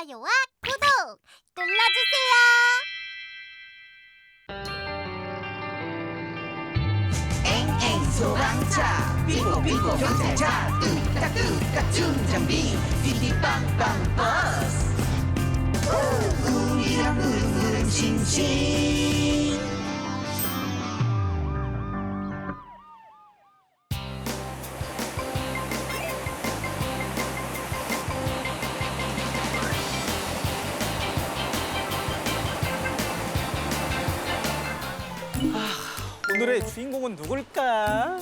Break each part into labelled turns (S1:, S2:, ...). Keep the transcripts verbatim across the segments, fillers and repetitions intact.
S1: 좋아요와 구독 눌러주세요.
S2: 엥엥 소방차 삐뽀삐뽀 경찰차 뚝딱뚝딱 충전비 삐삐빵빵 버스 우, 우리랑 무릉무릉 싱싱.
S3: 오늘의 주인공은 누굴까?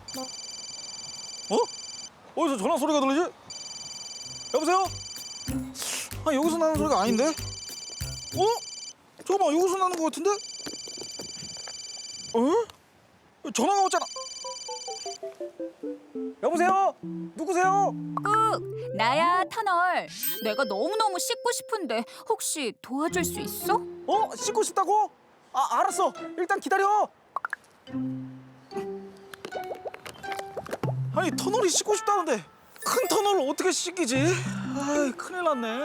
S3: 어? 어디서 전화 소리가 들리지? 여보세요? 아 여기서 나는 소리가 아닌데? 어? 잠깐만 여기서 나는 것 같은데? 어? 전화가 왔잖아. 여보세요? 누구세요?
S4: 꾹! 나야, 터널. 내가 너무너무 씻고 싶은데 혹시 도와줄 수 있어?
S3: 어? 씻고 싶다고? 아 알았어. 일단 기다려. 아니 터널이 씻고 싶다는데 큰 터널을 어떻게 씻기지? 아이 큰일 났네.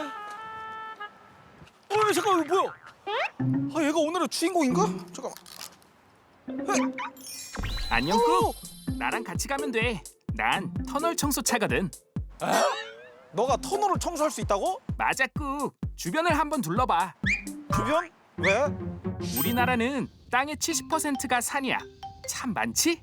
S3: 어 잠깐 이거 뭐야? 아 얘가 오늘의 주인공인가? 잠깐만. 헤이.
S5: 안녕
S3: 어?
S5: 꾹. 나랑 같이 가면 돼. 난 터널 청소차거든.
S3: 너가 터널을 청소할 수 있다고?
S5: 맞아 꾹. 주변을 한번 둘러봐.
S3: 주변? 왜?
S5: 우리나라는 땅의 칠십 퍼센트가 산이야. 참 많지?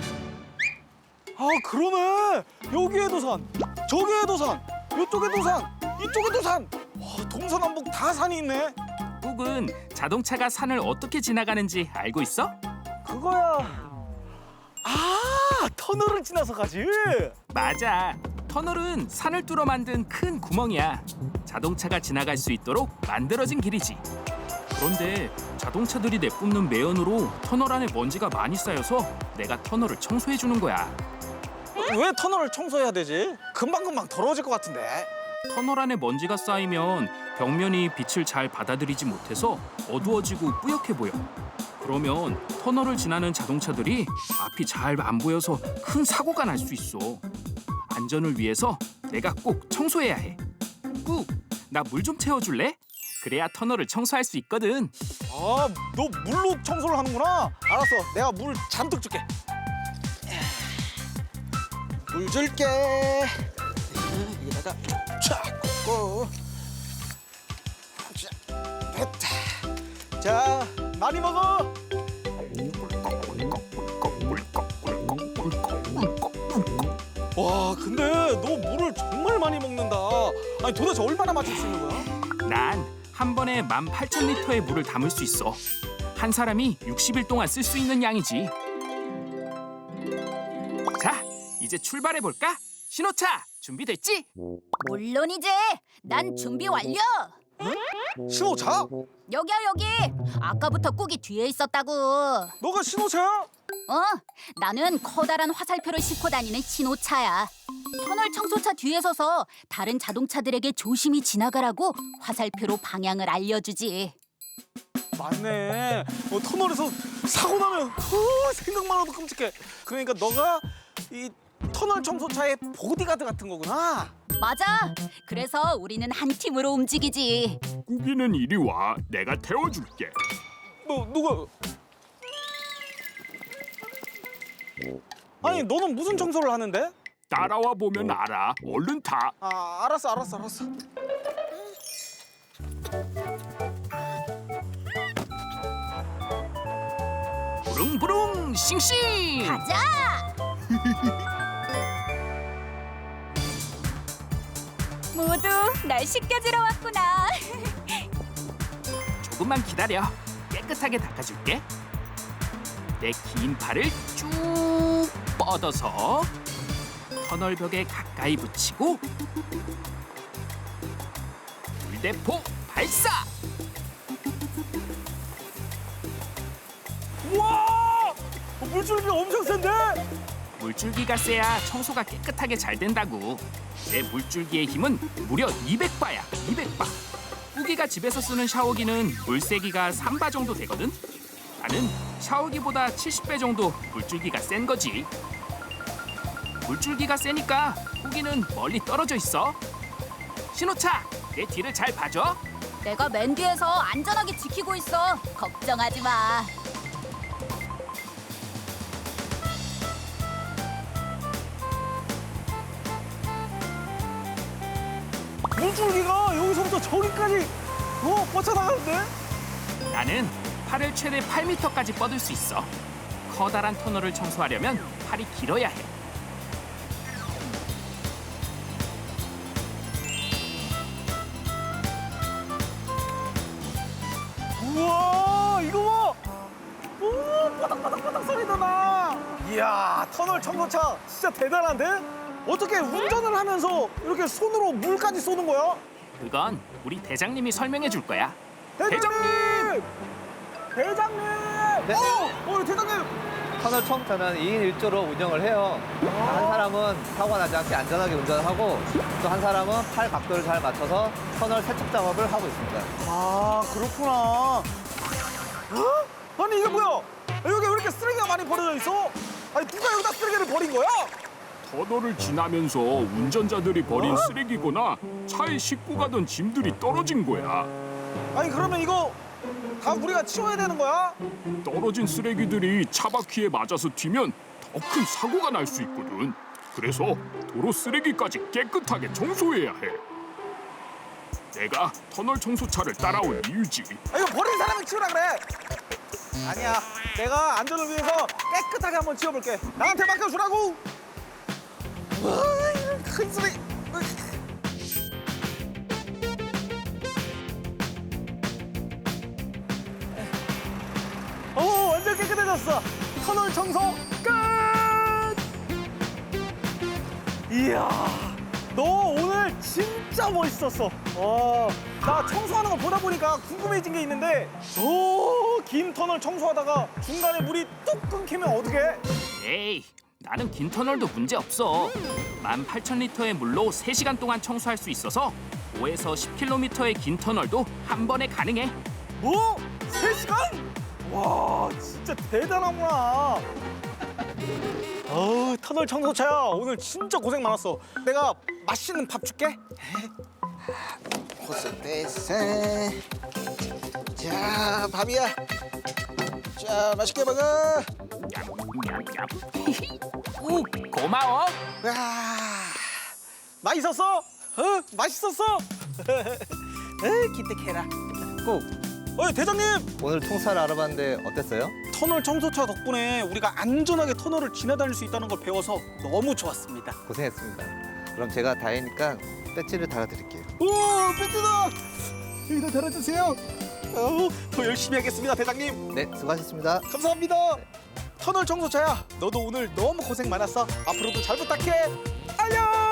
S3: 아 그러네. 여기에도 산, 저기에도 산, 이쪽에도 산, 이쪽에도 산. 와 동서남북 다 산이 있네.
S5: 꾹은 자동차가 산을 어떻게 지나가는지 알고 있어?
S3: 그거야. 아 터널을 지나서 가지.
S5: 맞아. 터널은 산을 뚫어 만든 큰 구멍이야. 자동차가 지나갈 수 있도록 만들어진 길이지. 그런데 자동차들이 내뿜는 매연으로 터널 안에 먼지가 많이 쌓여서 내가 터널을 청소해 주는 거야.
S3: 왜 터널을 청소해야 되지? 금방금방 더러워질 것 같은데.
S5: 터널 안에 먼지가 쌓이면 벽면이 빛을 잘 받아들이지 못해서 어두워지고 뿌옇게 보여. 그러면 터널을 지나는 자동차들이 앞이 잘 안 보여서 큰 사고가 날 수 있어. 안전을 위해서 내가 꼭 청소해야 해. 꾹! 나 물 좀 채워줄래? 그래야 터널을 청소할 수 있거든.
S3: 아, 너 물로 청소를 하는구나. 알았어, 내가 물 잔뜩 줄게. 물 줄게. 여기다가 쫙 꽂고. 자, 됐다. 자, 많이 먹어. 와, 근데 너 물을 정말 많이 먹는다. 아니 도대체 얼마나 마실 수 있는 거야?
S5: 난 한 번에 만 팔천 리터의 물을 담을 수 있어. 한 사람이 육십 일 동안 쓸 수 있는 양이지. 자, 이제 출발해 볼까? 신호차 준비됐지?
S4: 물론이지. 난 준비 완료.
S3: 신호차?
S4: 여기야, 여기. 아까부터 꾹이 뒤에 있었다고.
S3: 너가 신호차야?
S4: 어, 나는 커다란 화살표를 싣고 다니는 신호차야. 터널 청소차 뒤에 서서 다른 자동차들에게 조심히 지나가라고 화살표로 방향을 알려주지.
S3: 맞네. 어, 터널에서 사고 나면 어, 생각만 해도 끔찍해. 그러니까 너가 이 터널 청소차의 보디가드 같은 거구나.
S4: 맞아. 그래서 우리는 한 팀으로 움직이지.
S5: 꾸기는 이리 와. 내가 태워줄게.
S3: 너 누가? 아니 너는 무슨 청소를 하는데?
S5: 따라와 보면 알아. 얼른 타.
S3: 아 알았어 알았어 알았어.
S5: 부릉부릉 싱싱.
S4: 가자. 모두 날 씻겨주러 왔구나.
S5: 조금만 기다려. 깨끗하게 닦아줄게. 내 긴 팔을 쭉 뻗어서 터널 벽에 가까이 붙이고 물대포 발사!
S3: 우와! 어, 물줄기가 엄청 센데?
S5: 물줄기가 세야 청소가 깨끗하게 잘 된다고. 내 물줄기의 힘은 무려 이백 바야, 이백 바. 꾸기가 집에서 쓰는 샤워기는 물세기가 삼 바 정도 되거든. 나는 샤워기보다 칠십 배 정도 물줄기가 센 거지. 물줄기가 세니까 꾸기는 멀리 떨어져 있어. 신호차 내 뒤를 잘 봐줘.
S4: 내가 맨 뒤에서 안전하게 지키고 있어. 걱정하지 마.
S3: 물줄기가 여기서부터 저기까지 어 뻗쳐나가는데?
S5: 나는 팔을 최대 팔 미터까지 뻗을 수 있어. 커다란 터널을 청소하려면 팔이 길어야 해.
S3: 우와 이거 봐! 오 바닥바닥바닥 소리도 나! 이야 터널 청소차 진짜 대단한데? 어떻게 운전을 하면서 이렇게 손으로 물까지 쏘는 거야?
S5: 그건 우리 대장님이 설명해 줄 거야.
S3: 대장님! 대장님!
S6: 네.
S3: 어! 어 대장님!
S6: 터널 청소는 이 인 일 조로 운영을 해요. 한 사람은 사고가 나지 않게 안전하게 운전을 하고 또 한 사람은 팔 각도를 잘 맞춰서 터널 세척 작업을 하고 있습니다.
S3: 아 그렇구나. 어? 아니 이게 뭐야? 여기 왜 이렇게 쓰레기가 많이 버려져 있어? 아니 누가 여기다 쓰레기를 버린 거야?
S5: 터널을 지나면서 운전자들이 버린
S3: 어?
S5: 쓰레기거나 차에 싣고 가던 짐들이 떨어진 거야.
S3: 아니 그러면 이거 다 우리가 치워야 되는 거야?
S5: 떨어진 쓰레기들이 차 바퀴에 맞아서 튀면 더 큰 사고가 날 수 있거든. 그래서 도로 쓰레기까지 깨끗하게 청소해야 해. 내가 터널 청소차를 따라온 이유지.
S3: 아, 이거 버린 사람은 치우라 그래. 아니야, 내가 안전을 위해서 깨끗하게 한번 치워볼게. 나한테 맡겨주라고. 와, 큰 소리. 오, 완전 깨끗해졌어. 터널 청소 끝. 이야, 너 오늘 진짜 멋있었어. 와, 나 청소하는 거 보다 보니까 궁금해진 게 있는데, 오, 긴 터널 청소하다가 중간에 물이 뚝 끊기면 어떡해?
S5: 에이, 나는 긴 터널도 문제 없어. 만 팔천 리터의 물로 세 시간 동안 청소할 수 있어서 오에서 십 킬로미터의 긴 터널도 한 번에 가능해.
S3: 뭐? 세 시간? 와, 진짜 대단하구나. 어우, 터널 청소차야. 오늘 진짜 고생 많았어. 내가 맛있는 밥 줄게. 호스테스. 자, 밥이야. 자, 맛있게 먹어.
S5: 우, 고마워.
S3: 와, 맛있었어? 어? 맛있었어? 에이, 기특해라.
S6: 꼭
S3: 어이, 대장님!
S6: 오늘 청사를 알아봤는데 어땠어요?
S3: 터널 청소차 덕분에 우리가 안전하게 터널을 지나다닐 수 있다는 걸 배워서 너무 좋았습니다.
S6: 고생했습니다. 그럼 제가 다행이니까 배지를 달아드릴게요.
S3: 오, 배트다! 여기다 달아주세요. 어우, 더 열심히 하겠습니다, 대장님.
S6: 네, 수고하셨습니다.
S3: 감사합니다. 터널 청소차야, 너도 오늘 너무 고생 많았어. 앞으로도 잘 부탁해. 안녕!